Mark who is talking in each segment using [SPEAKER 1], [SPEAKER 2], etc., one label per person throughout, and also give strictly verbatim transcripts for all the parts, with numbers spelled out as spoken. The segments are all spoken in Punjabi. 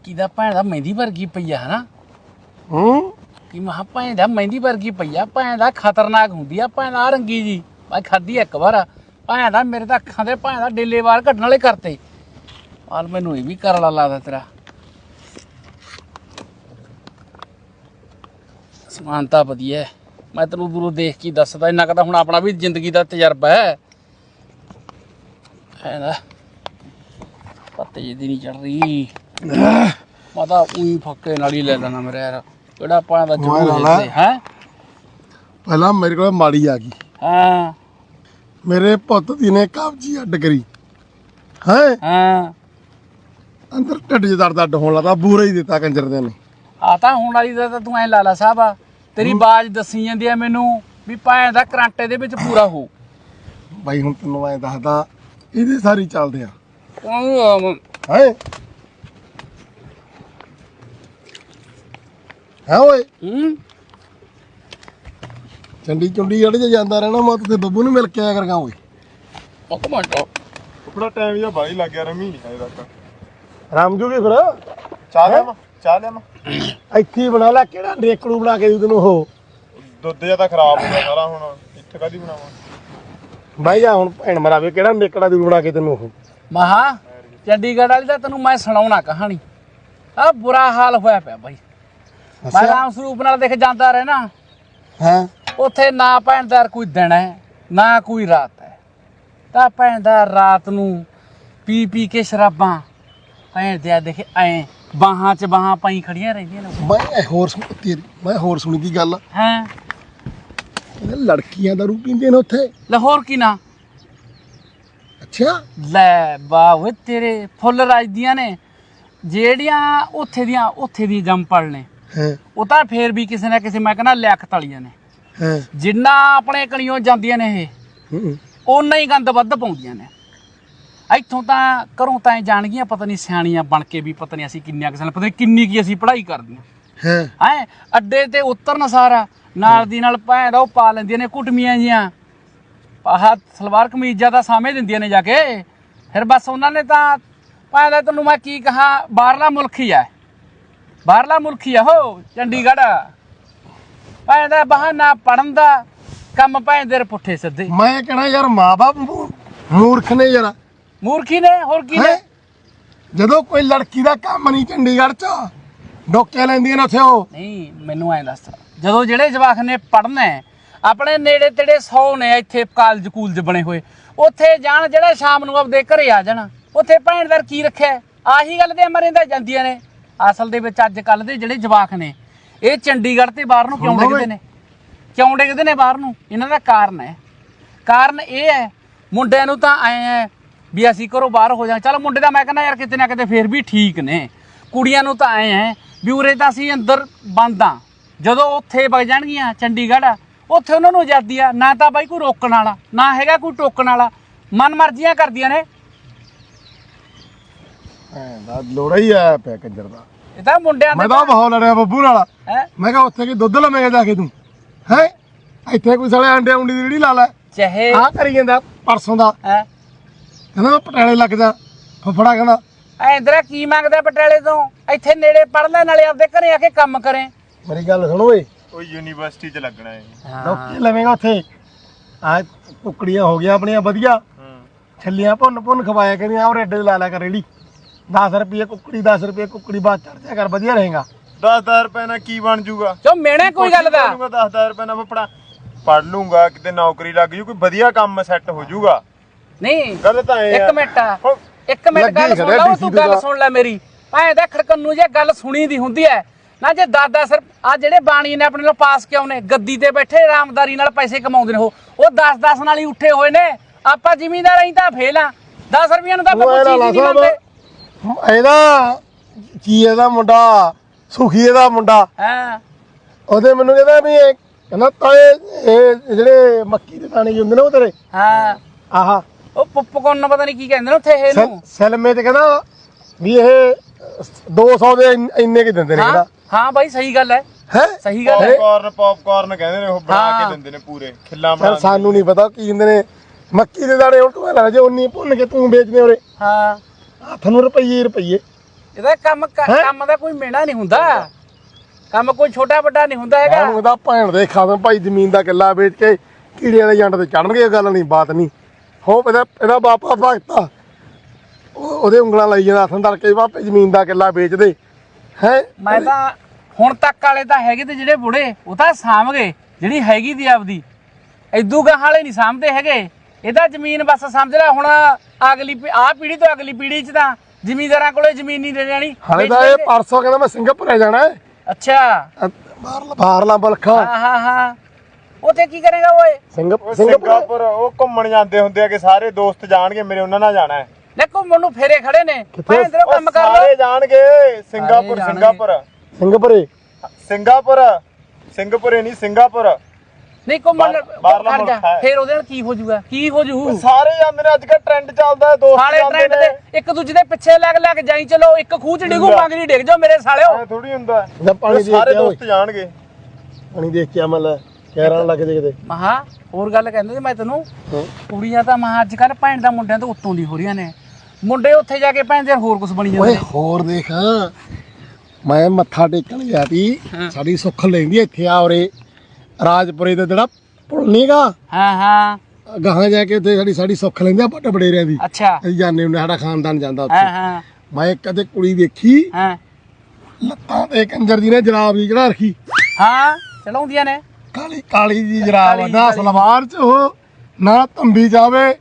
[SPEAKER 1] मक्की दा भैन दा मेहंदी वर्गी पई है ना
[SPEAKER 2] हूं
[SPEAKER 1] कि महा भैन दा मेहंदी वर्गी पई है भैन दा खतरनाक हुंदी है भैन दा रंगी जी मैं खाधी एक बार भैन दा मेरे तां अखां दे भैन दा डेले वाल कड्ढण वाले करते हाल मैनू ये भी करला लगदा तेरा समानता वधिया मैं तेनू दूरों देख के दसदा इन्ना कदा हुण अपना भी जिंदगी दा तजर्बा है है ना पत्ते जी नहीं चढ़ रही मैं तो ऊई फक्के नाल ही ले लेना मेरे यार केड़ा पाना दा जरूर है हैं
[SPEAKER 2] पहला मेरे को माड़ी आ गई
[SPEAKER 1] हां
[SPEAKER 2] मेरे पुੱਤ दी ने कब्जी अड्ड करी है
[SPEAKER 1] हां
[SPEAKER 2] अंदर ढिੱਡ च दर्द अड्ड होਣ ਲੱਗਾ ਬੂਰਾ ਹੀ ਦਿੱਤਾ ਕੰਜਰ ਦੇ ਨੇ
[SPEAKER 1] ਆ ਤਾਂ ਹੁਣ ਵਾਲੀ ਦਾ ਤਾਂ ਤੂੰ ਐ ਲਾਲਾ ਸਾਹਿਬ ਆ ਤੇਰੀ ਬਾਜ ਦੱਸੀ ਜਾਂਦੀ ਆ ਮੈਨੂੰ ਵੀ ਭੈਣ ਦਾ ਕਰੰਟ ਇਹਦੇ ਵਿੱਚ ਪੂਰਾ ਹੋ
[SPEAKER 2] ਬਾਈ ਹੁਣ ਤੈਨੂੰ ਐ ਦੱਸਦਾ ਇਹਦੇ ਸਾਰੀ ਚੱਲਦੇ ਆ
[SPEAKER 1] ਹੈ
[SPEAKER 2] ਹੈ ਹੈ ਓਏ
[SPEAKER 1] ਹੂੰ
[SPEAKER 2] ਚੰਡੀ ਚੁੰਡੀ ਅੜ ਜਾਂਦਾ ਰਹਿਣਾ ਮੈਂ ਤੇ ਬੱਬੂ ਨੂੰ ਮਿਲ ਕੇ ਆਇਆ ਕਰਗਾ ਓਏ
[SPEAKER 1] ਇੱਕ ਮਿੰਟ
[SPEAKER 3] ਆਪਣਾ ਟਾਈਮ ਜਿਹਾ ਬਾਈ ਲੱਗ ਗਿਆ ਰਮੀ ਨਹੀਂ ਆਇਆ ਤੱਕ
[SPEAKER 2] ਰਾਮ ਜੂਗੀ ਫਿਰ
[SPEAKER 3] ਚਾਹ ਲਿਆ ਚਾਹ ਲਿਆ
[SPEAKER 2] ਇੱਥੇ ਹੀ ਬਣਾ ਲੈ ਕਿਹੜਾ ਰੇਕੜੂ ਬਣਾ ਕੇ ਦੂ ਤੈਨੂੰ ਉਹ
[SPEAKER 3] ਦੁੱਧ ਜਿਹਾ ਤਾਂ ਖਰਾਬ ਹੋ ਗਿਆ ਸਾਰਾ ਹੁਣ ਇੱਥੇ ਕਾਦੀ ਬਣਾਵਾਂ
[SPEAKER 2] ਬਾਈ ਜਾ ਹੁਣ ਭੈਣ ਮਰਾਵੇ ਕਿਹੜਾ ਰੇਕੜਾ ਦੂ ਬਣਾ ਕੇ ਤੈਨੂੰ ਉਹ
[SPEAKER 1] ਮਹਾ ਚੰਡੀਗੜ੍ਹ ਵਾਲੀ ਤਾਂ ਤੈਨੂੰ ਮੈਂ ਸੁਣਾਉਣਾ ਕਹਾਣੀ ਆ ਬੁਰਾ ਹਾਲ ਹੋਇਆ ਪਿਆ ਬਾਈ ਮੈਂ ਰਾਮ ਸਰੂਪ ਨਾਲ ਦੇਖ ਜਾਂਦਾ ਰਹਿਣਾ
[SPEAKER 2] ਹਾਂ
[SPEAKER 1] ਉੱਥੇ ਨਾ ਭੈਣਦਾਰ ਕੋਈ ਦਿਨ ਹੈ ਨਾ ਕੋਈ ਰਾਤ ਹੈ ਤਾਂ ਭੈਣਦਾਰ ਰਾਤ ਨੂੰ ਪੀ ਪੀ ਕੇ ਸ਼ਰਾਬਾਂ ਭੈਣ ਦੇ ਦੇਖੇ ਐ ਬਾਹਾਂ 'ਚ ਬਾਹਾਂ ਪਾਈ ਖੜੀਆਂ ਰਹਿੰਦੀਆਂ ਨੇ
[SPEAKER 2] ਮੈਂ ਹੋਰ ਸੁਣ ਤੇਰੀ ਮੈਂ ਹੋਰ ਸੁਣੀ ਦੀ ਗੱਲ
[SPEAKER 1] ਹਾਂ
[SPEAKER 2] ਲੜਕੀਆਂ ਦਾਰੂ ਪੀਂਦੇ ਨੇ ਉੱਥੇ
[SPEAKER 1] ਲਾਹੌਰ ਕੀ ਨਾ
[SPEAKER 2] ਅੱਛਾ
[SPEAKER 1] ਲੈ ਬਾਹ ਤੇਰੇ ਫੁੱਲ ਰਾਜਦੀਆਂ ਨੇ ਜਿਹੜੀਆਂ ਉੱਥੇ ਦੀਆਂ ਉੱਥੇ ਦੀ ਜੰਪਲ ਨੇ
[SPEAKER 2] ਹਾਂ
[SPEAKER 1] ਉਹ ਤਾਂ ਫੇਰ ਵੀ ਕਿਸੇ ਨਾ ਕਿਸੇ ਮੈਂ ਕਹਿੰਦਾ ਲਿਆਕਤ ਵਾਲੀਆਂ ਨੇ
[SPEAKER 2] ਹਾਂ
[SPEAKER 1] ਜਿੰਨਾ ਆਪਣੇ ਕਣੀਓ ਜਾਂਦੀਆਂ ਨੇ ਇਹ
[SPEAKER 2] ਹੂੰ
[SPEAKER 1] ਓਨਾ ਹੀ ਗੰਦ ਵੱਧ ਪਾਉਂਦੀਆਂ ਨੇ ਇੱਥੋਂ ਤਾਂ ਘਰੋਂ ਤਾਂ ਜਾਣਗੀਆਂ ਪਤਾ ਨਹੀਂ ਸਿਆਣੀਆਂ ਬਣ ਕੇ ਵੀ ਪਤਾ ਨਹੀਂ ਅਸੀਂ ਕਿੰਨੀਆਂ ਕਿਸੇ ਨਾਲ ਪਤਾ ਨਹੀਂ ਕਿੰਨੀ ਕੀ ਅਸੀਂ ਪੜ੍ਹਾਈ ਕਰਦੀਆਂ
[SPEAKER 2] ਹਾਂ
[SPEAKER 1] ਹੈਂ ਅੱਡੇ ਤੇ ਉਤਰਨ ਸਾਰਾ ਨਾਲ ਦੀ ਨਾਲ ਭੈਣ ਦਾ ਉਹ ਪਾ ਲੈਂਦੀਆਂ ਨੇ ਕੁੱਟਮੀਆਂ ਜੀਆਂ ਆਹ ਸਲਵਾਰ ਕਮੀਜ਼ਾਂ ਦਾ ਸਾਹਮਣੇ ਦਿੰਦੀਆਂ ਨੇ ਜਾ ਕੇ ਫਿਰ ਬਸ ਉਹਨਾਂ ਨੇ ਤਾਂ ਭੈਣ ਦਾ ਤੈਨੂੰ ਮੈਂ ਕੀ ਕਹਾਂ ਬਾਹਰਲਾ ਮੁਲਕ ਹੀ ਆ ਬਾਹਰਲਾ ਮੁਲਕ ਹੀ ਆ ਹੋ ਚੰਡੀਗੜ੍ਹ ਭੈਣ ਦਾ ਬਹਾਨਾ ਪੜਨ ਦਾ ਕੰਮ ਭੈਣ ਦੇ ਪੁੱਠੇ ਸਿੱਧੇ
[SPEAKER 2] ਮੈਂ ਕਹਿਣਾ ਯਾਰ ਮਾਂ ਬਾਪ ਮੂਰਖ ਨੇ ਯਾਰ
[SPEAKER 1] ਮੂਰਖੀ ਨੇ ਹੋਰ ਕੀ ਨੇ
[SPEAKER 2] ਹੈਂ? ਜਦੋਂ ਕੋਈ ਲੜਕੀ ਦਾ ਕੰਮ ਨਹੀਂ ਚੰਡੀਗੜ੍ਹ ਚ ਡੋਕੇ ਲੈਂਦੀਆਂ ਨੇ ਉੱਥੇ ਉਹ
[SPEAKER 1] ਨਹੀਂ ਮੈਨੂੰ ਐਂ ਦੱਸ ਜਦੋਂ ਜਿਹੜੇ ਜਵਾਕ ਨੇ ਪੜਨਾ ਆਪਣੇ ਨੇੜੇ ਤੇੜੇ ਸੌ ਨੇ ਇੱਥੇ ਕਾਲਜ ਕੂਲਜ ਬਣੇ ਹੋਏ ਉੱਥੇ ਜਾਣ ਜਿਹੜਾ ਸ਼ਾਮ ਨੂੰ ਆਪਦੇ ਘਰੇ ਆ ਜਾਣਾ ਉੱਥੇ ਭੈਣਦਾਰ ਕੀ ਰੱਖਿਆ ਆਹੀ ਗੱਲ ਤੇ ਮਰਿੰਦਾ ਜਾਂਦੀਆਂ ਨੇ ਅਸਲ ਦੇ ਵਿੱਚ ਅੱਜ ਕੱਲ ਦੇ ਜਿਹੜੇ ਜਵਾਕ ਨੇ ਇਹ ਚੰਡੀਗੜ੍ਹ ਤੇ ਬਾਹਰ ਨੂੰ ਕਿਉਂ ਡਿੱਗਦੇ ਨੇ ਕਿਉਂ ਡਿੱਗਦੇ ਨੇ ਬਾਹਰ ਨੂੰ ਇਹਨਾਂ ਦਾ ਕਾਰਨ ਹੈ ਕਾਰਨ ਇਹ ਹੈ ਮੁੰਡਿਆਂ ਨੂੰ ਤਾਂ ਐਂ ਹੈ ਵੀ ਅਸੀਂ ਘਰੋਂ ਬਾਹਰ ਹੋ ਜਾ ਚੱਲ ਮੁੰਡੇ ਦਾ ਮੈਂ ਕਹਿੰਦਾ ਯਾਰ ਕਿਤੇ ਨਾ ਕਿਤੇ ਫੇਰ ਵੀ ਠੀਕ ਨੇ ਕੁੜੀਆਂ ਨੂੰ ਤਾਂ ਐਂ ਹੈ ਵੀ ਉਰੇ ਤਾਂ ਅਸੀਂ ਅੰਦਰ ਬੰਦ ਆ ਜਦੋਂ ਉੱਥੇ ਵਗ ਜਾਣਗੀਆਂ ਚੰਡੀਗੜ੍ਹ ਉੱਥੇ ਉਹਨਾਂ ਨੂੰ ਆਜ਼ਾਦੀ ਆ ਨਾ ਤਾਂ ਬਾਈ ਕੋਈ ਰੋਕਣ ਵਾਲਾ ਨਾ ਹੈਗਾ ਕੋਈ ਟੋਕਣ ਵਾਲਾ ਮਨ ਮਰਜ਼ੀਆਂ ਕਰਦੀਆਂ ਨੇ
[SPEAKER 2] ਐਂ ਦਾ ਲੋੜਾ ਹੀ ਆਇਆ ਪਿਆ ਕੰਜਰ ਦਾ
[SPEAKER 1] ਇਹ ਤਾਂ ਮੁੰਡਿਆਂ
[SPEAKER 2] ਮੈਂ ਤਾਂ ਬਹੁਤ ਲੜਿਆ ਬੱਬੂ ਨਾਲ
[SPEAKER 1] ਹੈ
[SPEAKER 2] ਮੈਂ ਕਿਹਾ ਉੱਥੇ ਕੀ ਦੁੱਧ ਲਵੇਂਗਾ ਜਾ ਕੇ ਤੂੰ ਹੈ ਇੱਥੇ ਕੋਈ ਸਾਲੇ ਆਂਡੇ ਉਂਡੀ ਦੀ ਰੇੜੀ ਲਾ ਲੈ
[SPEAKER 1] ਚਾਹੇ
[SPEAKER 2] ਆਹ ਕਰੀ ਜਾਂਦਾ ਪਰਸੋਂ ਦਾ
[SPEAKER 1] ਹੈ
[SPEAKER 2] ਕਹਿੰਦਾ ਮੈਂ ਪਟਿਆਲੇ ਲੱਗ ਜਾ ਫਫੜਾ ਕਹਿੰਦਾ
[SPEAKER 1] ਐਂਦਰਾ ਕੀ ਮੰਗਦਾ ਪਟਿਆਲੇ ਤੋਂ ਇੱਥੇ ਨੇੜੇ ਪੜ ਲੈ ਨਾਲੇ ਆਪਦੇ ਘਰੇ ਆ ਕੇ ਕੰਮ ਕਰੇ
[SPEAKER 2] ਮੇਰੀ ਗੱਲ ਸੁਣ ਓਏ
[SPEAKER 3] ਉਹ ਯੂਨੀਵਰਸਿਟੀ 'ਚ ਲੱਗਣਾ ਹੈ
[SPEAKER 2] ਡੋਕੇ ਲਵੇਂਗਾ ਉੱਥੇ ਆ ਟੁਕੜੀਆਂ ਹੋ ਗਈਆਂ ਆਪਣੀਆਂ ਵਧੀਆ ਛੱਲੀਆਂ ਭੁੰਨ ਭੁੰਨ ਖਵਾਇਆ ਕਰੀਆਂ ਔਰ ਐਡੇ ਲਾ ਲਿਆ ਕਰ ਰੇੜੀ ਦਸ ਰੁਪਏ ਕੁੱਕੜੀ ਦਸ ਰੁਪਏ ਕੁੱਕੜੀ ਬਾਅਦ ਚੜ ਜਾ ਕਰ ਵਧੀਆ ਰਹੇਗਾ
[SPEAKER 3] ਦਸ ਹਜ਼ਾਰ ਰੁਪਏ ਨਾਲ ਕੀ ਬਣ ਜੂਗਾ
[SPEAKER 1] ਚੋ ਮੇਣੇ ਕੋਈ ਗੱਲ ਦਾ
[SPEAKER 3] ਦਸ ਹਜ਼ਾਰ ਰੁਪਏ ਨਾਲ ਫਪੜਾ ਪੜ ਲੂੰਗਾ ਕਿਤੇ ਨੌਕਰੀ ਲੱਗ ਜੂ ਕੋਈ ਵਧੀਆ ਕੰਮ ਸੈੱਟ ਹੋ ਜੂਗਾ
[SPEAKER 1] ਨਹੀਂ
[SPEAKER 3] ਗੱਲ ਤਾਂ ਇਹ
[SPEAKER 1] ਇੱਕ ਮਿੰਟ ਇੱਕ ਮਿੰਟ ਗੱਲ ਸੁਣ ਲੈ ਤੂੰ ਗੱਲ ਸੁਣ ਲੈ ਮੇਰੀ ਭਾਵੇਂ ਤਾਂ ਖੜਕਣ ਨੂੰ ਜੇ ਗੱਲ ਸੁਣੀ ਦੀ ਹੁੰਦੀ ਹੈ ਨਾ ਜੇ ਦਾਦਾ ਸਰ ਆ ਜਿਹੜੇ ਬਾਣੀ ਨੇ ਆਪਣੇ ਨਾਲ ਪਾਸ ਕਿਉਂ ਨੇ ਗੱਦੀ ਤੇ ਬੈਠੇ ਆਰਾਮਦਾਰੀ ਨਾਲ ਪੈਸੇ ਕਮਾਉਂਦੇ ਨੇ ਉਹ ਉਹ ਦਸ ਦਸ ਨਾਲ ਹੀ ਉੱਠੇ ਹੋਏ ਨੇ ਆਪਾਂ ਜ਼ਿਮੀਂਦਾਰ ਅਸੀਂ ਤਾਂ ਫੇਲ ਆ ਦਸ ਰੁਪਈਆ ਨੂੰ ਤਾਂ ਆਪਾਂ ਕੋਈ ਚੀਜ਼ ਨਹੀਂ ਲੈਂਦੇ
[SPEAKER 2] ਇਹਦਾ ਕੀ ਇਹਦਾ ਮੁੰਡਾ ਸੁਖੀ ਇਹਦਾ ਮੁੰਡਾ
[SPEAKER 1] ਹਾਂ
[SPEAKER 2] ਉਹਦੇ ਮੈਨੂੰ ਕਹਿੰਦਾ ਵੀ ਇਹ ਕਹਿੰਦਾ ਤਾਏ ਇਹ ਜਿਹੜੇ ਮੱਕੀ ਦੇ ਦਾਣੇ ਹੁੰਦੇ ਨੇ ਉਹ ਤੇਰੇ
[SPEAKER 1] ਹਾਂ
[SPEAKER 2] ਆਹਾ
[SPEAKER 1] ਉਹ ਪੁੱਪਕੌਰਨ ਪਤਾ ਨਹੀਂ ਕੀ ਕਹਿੰਦੇ ਨੇ ਉੱਥੇ ਇਹਨੂੰ
[SPEAKER 2] ਸੈਲਮੇ ਤੇ ਕਹਿੰਦਾ ਵੀ ਇਹ ਦੋ ਸੌ ਦੇ ਇੰਨੇ ਕੀ ਦਿੰਦੇ ਨੇ ਕਹਿੰਦਾ
[SPEAKER 1] ਹਾਂ ਬਾਈ ਸਹੀ ਗੱਲ ਹੈ
[SPEAKER 2] ਹੈ
[SPEAKER 1] ਸਹੀ ਗੱਲ ਹੈ
[SPEAKER 3] ਪੌਪਕਾਰਨ ਪੌਪਕਾਰਨ ਕਹਿੰਦੇ ਨੇ ਉਹ ਬਣਾ ਕੇ ਦਿੰਦੇ ਨੇ ਪੂਰੇ ਖਿੱਲਾ ਬਣਾ
[SPEAKER 2] ਸਾਨੂੰ ਨਹੀਂ ਪਤਾ ਕੀ ਦਿੰਦੇ ਨੇ ਮੱਕੀ ਦੇ ਦਾਣੇ ਹੁਣ ਤੂੰ ਲੈ ਜੇ ਉਨੀ ਭੁੰਨ ਕੇ ਤੂੰ ਵੇਚਦੇ ਉਰੇ
[SPEAKER 1] ਹਾਂ
[SPEAKER 2] ਹੱਥ ਨੂੰ ਰੁਪਈਏ ਰੁਪਈਏ
[SPEAKER 1] ਇਹਦਾ ਕੰਮ ਕ-
[SPEAKER 2] ਹੈਂ?
[SPEAKER 1] ਕੰਮ ਦਾ ਕੋਈ ਮੇਣਾ ਨਹੀਂ ਹੁੰਦਾ, ਕੰਮ ਕੋਈ ਛੋਟਾ ਵੱਡਾ ਨਹੀਂ ਹੁੰਦਾ ਹੈਗਾ।
[SPEAKER 2] ਉਹਨੂੰ ਦਾ ਭੈਣ ਦੇ ਖਾਵੇਂ ਭਾਈ ਜ਼ਮੀਨ ਦਾ ਕਿੱਲਾ ਵੇਚ ਕੇ ਕੀੜੀਆਂ ਦੇ ਜੰਡ ਤੇ ਚੜਨਗੇ, ਗੱਲ ਨਹੀਂ ਬਾਤ ਨਹੀਂ। ਹੋ ਇਹਦਾ ਇਹਦਾ ਬਾਪਾ ਭਗਤਾ ਉਹ- ਉਹਦੇ ਉਂਗਲਾਂ ਲਾਈ ਜਾਂਦਾ ਹੱਥਾਂ ਤੜਕੇ ਬਾਪੇ ਜ਼ਮੀਨ ਦਾ ਕਿੱਲਾ ਵੇਚ ਦੇ ਹੈ।
[SPEAKER 1] ਮੈਂ ਤਾਂ ਹੁਣ ਤੱਕ ਵਾਲੇ ਤਾਂ ਹੈਗੇ ਤੇ ਜਿਹੜੇ ਬੁੜੇ ਉਹ ਤਾਂ ਸਾਂਭ ਗਏ ਜਿਹੜੀ ਹੈਗੀ ਦੀ ਆਪਦੀ, ਇਦੂ ਗਾਹਾਂ ਵਾਲੇ ਨਹੀਂ ਸਾਂਭਦੇ ਹੈਗੇ। ਇਹਦਾ ਜ਼ਮੀਨ ਬਸ ਸਮਝ ਲੈ ਹੁਣ ਅਗਲੀ ਆਹ ਪੀੜ੍ਹੀ ਤੋਂ ਅਗਲੀ ਪੀੜ੍ਹੀ 'ਚ ਤਾਂ ਜ਼ਿਮੀਂਦਾਰਾਂ ਕੋਲੇ ਜ਼ਮੀਨ ਨਹੀਂ ਦੇ ਜਾਣੀ।
[SPEAKER 2] ਹਾਲੇ ਤਾਂ ਇਹ ਪਰਸੋਂ ਕਹਿੰਦਾ ਮੈਂ ਸਿੰਗਾਪੁਰ ਜਾਣਾ ਹੈ।
[SPEAKER 1] ਅੱਛਾ
[SPEAKER 2] ਬਾਹਰਲਾ ਬਾਹਰਲਾ ਮੁਲਕਾਂ
[SPEAKER 1] ਹਾਂ ਹਾਂ ਹਾਂ, ਉੱਥੇ ਕੀ ਕਰੇਗਾ ਓਏ?
[SPEAKER 2] ਸਿੰਗਾਪੁਰ
[SPEAKER 3] ਸਿੰਗਾਪੁਰ ਉਹ ਘੁੰਮਣ ਜਾਂਦੇ ਹੁੰਦੇ ਆ ਕਿ ਸਾਰੇ ਦੋਸਤ ਜਾਣਗੇ ਮੇਰੇ, ਉਹਨਾਂ ਨਾਲ ਜਾਣਾ ਹੈ।
[SPEAKER 1] ਲੈ ਘੁੰਮਣ ਨੂੰ ਫੇਰੇ ਖੜੇ ਨੇ, ਭੈਣ ਤੇਰਾ
[SPEAKER 3] ਉਹ
[SPEAKER 1] ਕੰਮ ਕਰ ਲੋ।
[SPEAKER 3] ਸਾਰੇ ਜਾਣਗੇ ਸਿੰਗਾਪੁਰ
[SPEAKER 1] ਜਾਣਗੇ।
[SPEAKER 3] ਸਿੰਗਾਪੁਰ
[SPEAKER 2] ਸਿੰਗਾਪੁਰੇ
[SPEAKER 3] ਸਿੰਗਾਪੁਰ ਸਿੰਗਾਪੁਰੇ ਨਹੀਂ ਸਿੰਗਾਪੁਰ।
[SPEAKER 1] ਨਹੀਂ ਘੁੰਮਣ
[SPEAKER 3] ਬਾਹਰ- ਬਾਹਰਲਾ
[SPEAKER 1] ਖੜ ਜਾ,
[SPEAKER 3] ਮੁਲਕ ਹੈ।
[SPEAKER 1] ਫੇਰ ਉਹਦੇ ਨਾਲ ਕੀ ਹੋ ਜਾਊਗਾ? ਕੀ ਹੋ ਜੂ?
[SPEAKER 3] ਸਾਰੇ ਜਾਂਦੇ ਨੇ, ਅੱਜ ਕੱਲ ਟ੍ਰੈਂਡ ਚੱਲਦਾ ਹੈ, ਦੋਸਤ
[SPEAKER 1] ਸਾਲੇ
[SPEAKER 3] ਜਾਂਦੇ
[SPEAKER 1] ਟ੍ਰੈਂਡ
[SPEAKER 3] ਨੇ।
[SPEAKER 1] ਤੇ ਇੱਕ ਦੂਜੇ ਦੇ ਪਿੱਛੇ ਲੱਗ ਲੱਗ ਜਾਈ ਚਲੋ, ਇੱਕ ਖੂਹ ਚ ਡਿੱਗੂ ਮੰਗਰੀ ਡਿੱਗ ਜਾਓ ਮੇਰੇ ਸਾਲਿਓ।
[SPEAKER 3] ਐ ਥੋੜੀ ਹੁੰਦਾ
[SPEAKER 2] ਇਹਦਾ ਪਾਣੀ
[SPEAKER 3] ਇਹ
[SPEAKER 2] ਦੇ
[SPEAKER 3] ਸਾਰੇ
[SPEAKER 2] ਕੇ ਆਓ।
[SPEAKER 3] ਦੋਸਤ ਜਾਣਗੇ।
[SPEAKER 2] ਪਾਣੀ ਦੇਖ ਕੇ ਆਮਲ ਕਹਿਰਾਂ ਲੱਗ ਜੇ ਕਿਤੇ।
[SPEAKER 1] ਮਹਾ ਹੋਰ ਗੱਲ ਕਹਿੰਦੇ ਸੀ ਮੈਂ ਤੈਨੂੰ,
[SPEAKER 2] ਹਾਂ।
[SPEAKER 1] ਕੁੜੀਆਂ ਤਾਂ ਮਹਾ ਅੱਜ ਕੱਲ ਭੈਣ ਦਾ ਮੁੰਡਿਆਂ ਤੋਂ ਉੱਤੋਂ ਦੀ ਹੋ ਰਹੀਆਂ ਨੇ। ਮੁੰਡੇ ਉੱਥੇ ਜਾ ਕੇ ਭੈਣ ਦੇ ਹੋਰ ਕੁਝ ਬਣੀ ਜਾਂਦੇ
[SPEAKER 2] ਓਏ
[SPEAKER 1] ਨੇ।
[SPEAKER 2] ਹੋਰ ਦੇਖ, ਮੈਂ ਮੱਥਾ ਟੇਕਣ ਗਿਆ ਸੀ,
[SPEAKER 1] ਹਾਂ।
[SPEAKER 2] ਸਾਡੀ ਸੁੱਖ ਲੈਂਦੀ ਇੱਥੇ ਆ ਉਰੇ ਰਾਜਪੁਰੇ ਦਾ ਜਿਹੜਾ ਪੁਲ ਨੀਗਾ,
[SPEAKER 1] ਹਾਂ ਹਾਂ
[SPEAKER 2] ਗਾਹਾਂ ਜਾ ਕੇ ਉੱਥੇ ਸਾਡੀ ਸਾਡੀ ਸੁੱਖ ਲੈਂਦੇ ਆ ਵੱਡੇ ਵਡੇਰਿਆਂ ਦੀ।
[SPEAKER 1] ਅੱਛਾ
[SPEAKER 2] ਅਸੀਂ ਜਾਂਦੇ ਹੁੰਦੇ, ਸਾਡਾ ਖਾਨਦਾਨ ਜਾਂਦਾ
[SPEAKER 1] ਹਾਂ
[SPEAKER 2] ਉੱਥੇ।
[SPEAKER 1] ਹਾਂ
[SPEAKER 2] ਮੈਂ ਕਦੇ ਕੁੜੀ ਵੇਖੀ,
[SPEAKER 1] ਹਾਂ
[SPEAKER 2] ਲੱਤਾਂ ਤੇ ਕੰਜਰ ਜੀ ਨੇ ਜਰਾਬ ਜੀ ਚੜਾ ਰੱਖੀ,
[SPEAKER 1] ਹਾਂ ਚਲਾਉਂਦੀਆਂ ਨੇ।
[SPEAKER 2] ਕਾਲੀ ਕਾਲੀ ਜੀ ਜਰਾਬ,
[SPEAKER 1] ਕਾਲੀ ਜੀ,
[SPEAKER 2] ਨਾ
[SPEAKER 1] ਕਾਲੀ।
[SPEAKER 2] ਸਲਵਾਰ ਚ ਉਹ ਨਾ ਤੰਬੀ ਜਾਵੇ,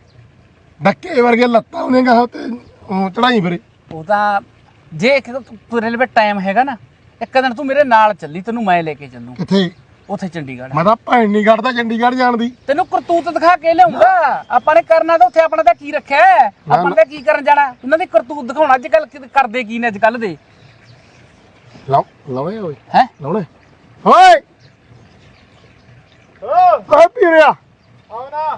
[SPEAKER 2] ਡੱਕੇ ਵਰਗੇ ਲੱਤਾਂ ਉਹਨੇ ਗਾਹਾਂ ਤੇ ਚੜਾਈ ਫਿਰੇ।
[SPEAKER 1] ਉਹ ਤਾਂ ਜੇ ਇੱਕ ਤੁਰੇ ਲਵੇ ਟਾਈਮ ਹੈਗਾ ਨਾ, ਇੱਕ ਦਿਨ ਤੂੰ ਮੇਰੇ ਨਾਲ ਚੱਲੀ, ਤੈਨੂੰ ਮੈਂ ਲੈ ਕੇ ਚੱਲੂ
[SPEAKER 2] ਕਿੱਥੇ?
[SPEAKER 1] ਉੱਥੇ ਚੰਡੀਗੜ੍ਹ।
[SPEAKER 2] ਮੈਂ ਤਾਂ ਭੈਣ ਨਹੀਂ ਕੱਢਦਾ ਚੰਡੀਗੜ੍ਹ ਜਾਣ ਦੀ।
[SPEAKER 1] ਤੈਨੂੰ ਕਰਤੂਤ ਦਿਖਾ ਕੇ ਲਿਆਉਂਗਾ। ਆਪਾਂ ਨੇ ਕਰਨਾ ਤਾਂ ਉੱਥੇ ਆਪਣਾ ਤਾਂ ਕੀ ਰੱਖਿਆ ਹੈ? ਆਪਾਂ ਨੇ ਤਾਂ ਕੀ ਕਰਨ ਜਾਣਾ? ਉਹਨਾਂ ਦੀ ਕਰਤੂਤ ਦਿਖਾਉਣਾ। ਅੱਜ ਕੱਲ ਕਰਦੇ ਕੀ ਨੇ ਅੱਜ ਕੱਲ ਦੇ?
[SPEAKER 2] ਲਾਓ ਲਾਵੇ ਓਏ
[SPEAKER 1] ਹੈ
[SPEAKER 2] ਲਾਉਣੇ ਓਏ ਓਏ ਪੀ ਰਿਆ
[SPEAKER 3] ਆਓ ਨਾ।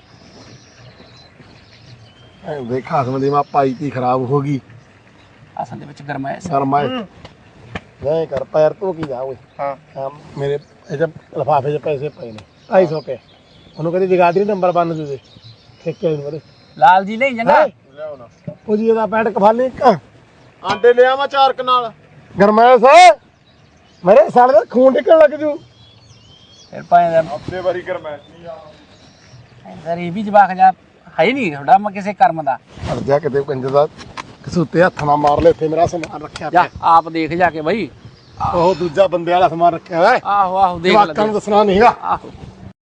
[SPEAKER 2] ਐ ਦੇਖਾ ਸਮਝੀ ਮਾ ਪਾਈ ਤੀ ਖਰਾਬ ਹੋ ਗਈ।
[SPEAKER 1] ਅਸਲ ਦੇ ਵਿੱਚ ਗਰਮਾਇਸ਼ ਹੈ।
[SPEAKER 2] ਸ਼ਰਮਾਏ ਨਹੀਂ ਕਰ ਪੈਰ ਤੂੰ ਕੀ ਜਾ ਓਏ।
[SPEAKER 3] ਹਾਂ
[SPEAKER 2] ਆਹ ਮੇਰੇ ਇਹ ਲਫਾਫੇ 'ਚ ਪੈਸੇ ਪਏ ਨੇ ਢਾਈ ਸੌ ਰੁਪਏ। ਉਹਨੂੰ ਕਹਿੰਦੀ ਜਗਾਦਰੀ ਨੰਬਰ ਬੰਨ ਦੇ ਦੇ ਠੇਕੇ ਨੂੰ ਬੜੇ
[SPEAKER 1] ਲਾਲ ਜੀ ਨਹੀਂ ਜੰਗਾ।
[SPEAKER 3] ਲਿਆਓ ਨਾ।
[SPEAKER 2] ਉਹ ਜੀ ਇਹਦਾ ਪੈਂਟ ਕਫਾਲੀ ਇੱਕ
[SPEAKER 3] ਆਂਡੇ ਲਿਆ ਮੈਂ ਚਾਰ ਕਨਾਲ।
[SPEAKER 2] ਗਰਮੈਸ਼ ਮੇਰੇ ਸਾਲੇ ਦਾ ਖੂਨ ਨਿਕਲਣ ਲੱਗ ਜੂ।
[SPEAKER 1] ਫਿਰ ਭਾਵੇਂ ਦਾ
[SPEAKER 3] ਹਫਤੇ ਵਾਰੀ ਗਰਮੈਸ਼ ਨਹੀਂ ਆ।
[SPEAKER 1] ਸਰ ਇਹ ਵੀ ਜਵਾਕ ਜਾ ਹੈ ਹੀ ਨਹੀਂ ਤੁਹਾਡਾ ਮੈਂ ਕਿਸੇ ਕਰਮ ਦਾ।
[SPEAKER 2] ਅੜ ਜਾ ਕਿਤੇ ਕੰਜਰ ਦਾ ਕਸੂਤੇ ਹੱਥ ਨਾਲ ਮਾਰ ਲੈ, ਇੱਥੇ ਮੇਰਾ ਸਮਾਨ ਰੱਖਿਆ
[SPEAKER 1] ਜਾ
[SPEAKER 2] ਪਿਆ।
[SPEAKER 1] ਆਪ ਦੇਖ ਜਾ ਕੇ ਬਈ।
[SPEAKER 2] ਉਹ ਦੂਜਾ ਬੰਦੇ ਵਾਲਾ ਸਮਾਨ ਰੱਖਿਆ ਹੋਇਆ
[SPEAKER 1] ਆਹੋ ਆਹੋ ਦੇਖ
[SPEAKER 2] ਜਵਾਕਾਂ
[SPEAKER 1] ਲੈ
[SPEAKER 2] ਨੂੰ ਦੱਸਣਾ ਨਹੀਂਗਾ।
[SPEAKER 1] ਆਹੋ